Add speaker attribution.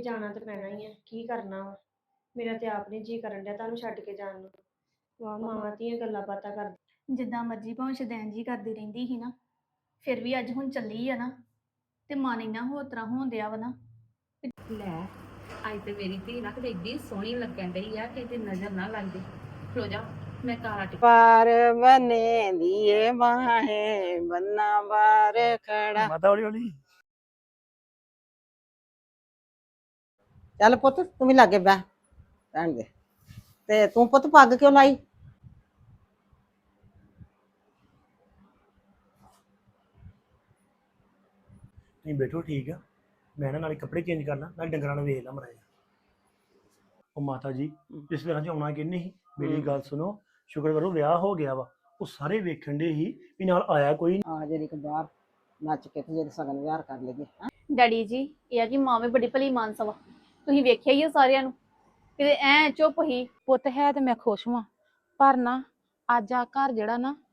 Speaker 1: ਜਾਣਾ ਤੇ ਪੈਣਾ ਹੀ ਆ, ਕੀ ਕਰਨਾ ਵਾ। ਮੇਰਾ ਤੇ ਆਪ ਨਹੀਂ ਜੀ ਕਰਨ ਡਿਆ ਤੁਹਾਨੂੰ ਛੱਡ ਕੇ ਜਾਣ ਨੂੰ। ਵਾਹ ਮਾਵਾਂ ਧੀਆਂ ਗੱਲਾਂ ਬਾਤਾਂ ਕਰ।
Speaker 2: ਜਿੱਦਾਂ ਮਰਜ਼ੀ ਭਾਵੇਂ ਸ਼ਦੈਨ ਜੀ ਕਰਦੀ ਰਹਿੰਦੀ ਸੀ ਨਾ, ਫਿਰ ਵੀ ਅੱਜ ਹੁਣ ਚੱਲੀ ਆ ਨਾ ਤੇ ਮਨ ਇੰਨਾ ਹੋਰ ਤਰ੍ਹਾਂ ਹੋਣ ਡਿਆ ਵਾ ਨਾ।
Speaker 3: ਲੈ ਅੱਜ ਤੇ ਮੇਰੀ ਧੀ ਨਾ ਕਿਤੇ ਏਡੀ ਸੋਹਣੀ ਲੱਗਣ ਡਈ ਆ ਕਿ ਤੇ ਨਜ਼ਰ ਨਾ ਲੱਗ ਜੇ। ਖਲੋ ਜਾ ਮੈਂ ਕਾਲਾ ਟਿਕ
Speaker 4: ਪਾਰ ਬਨੇ ਦੀਏ ਬਾਹੇ ਬੰਨਾ ਬਾਰ ਖੜਾ।
Speaker 5: ਮਾਤਾ ਹੌਲੀ ਹੌਲੀ।
Speaker 4: ਚੱਲ ਪੁੱਤ ਤੂੰ ਵੀ ਲਾਗੇ ਬਹਿ ਭੈਣ ਦੇ। ਤੇ ਤੂੰ ਪੁੱਤ ਪੱਗ ਕਿਉਂ ਲਾਈ?
Speaker 5: ਨਹੀਂ ਬੈਠੋ ਠੀਕ ਆ, ਮੈਂ ਨਾ ਨਾਲੇ ਕੱਪੜੇ ਚੇਂਜ ਕਰਨਾ ਨਾਲ ਡੰਗਰਾਂ ਨੂੰ ਵੇਖ ਲਾ ਮਰਾਇਆ। ਉਹ ਮਾਤਾ ਜੀ ਰਿਸ਼ਤੇਦਾਰਾਂ ਚ ਆਉਣਾ ਕਿੰਨੇ ਸੀ? ਮੇਰੀ ਗੱਲ ਸੁਣੋ, ਸ਼ੁਕਰ ਕਰੋ ਵਿਆਹ ਹੋ ਗਿਆ ਵਾ। ਉਹ ਸਾਰੇ ਵੇਖਣ ਦੇ ਹੀ ਵੀ ਨਾਲ ਆਇਆ ਕੋਈ
Speaker 4: ਆ ਜਿਹੜੀ ਕਿ ਬਾਹਰ ਨੱਚ ਕੇ ਤੇ ਜਿਹੜੇ ਸਗਨ ਵਿਹਾਰ ਕਰ ਲਈਏ।
Speaker 2: ਡੈਡੀ ਜੀ ਇਹ ਆ ਕਿ ਮਾਂ ਵੀ ਬੜੀ ਭਲੀ ਮਾਨਸ ਵਾ, ਤੁਸੀਂ ਵੇਖਿਆ ਹੀ ਆ ਸਾਰਿਆਂ ਨੂੰ, ਕਿਤੇ ਐ ਚੁੱਪ ਹੀ।
Speaker 3: ਪੁੱਤ ਹੈ ਤੇ ਮੈਂ ਖੁਸ਼ ਹਾਂ, ਪਰ ਨਾ ਅੱਜ ਆ ਘਰ ਜਿਹੜਾ ਨਾ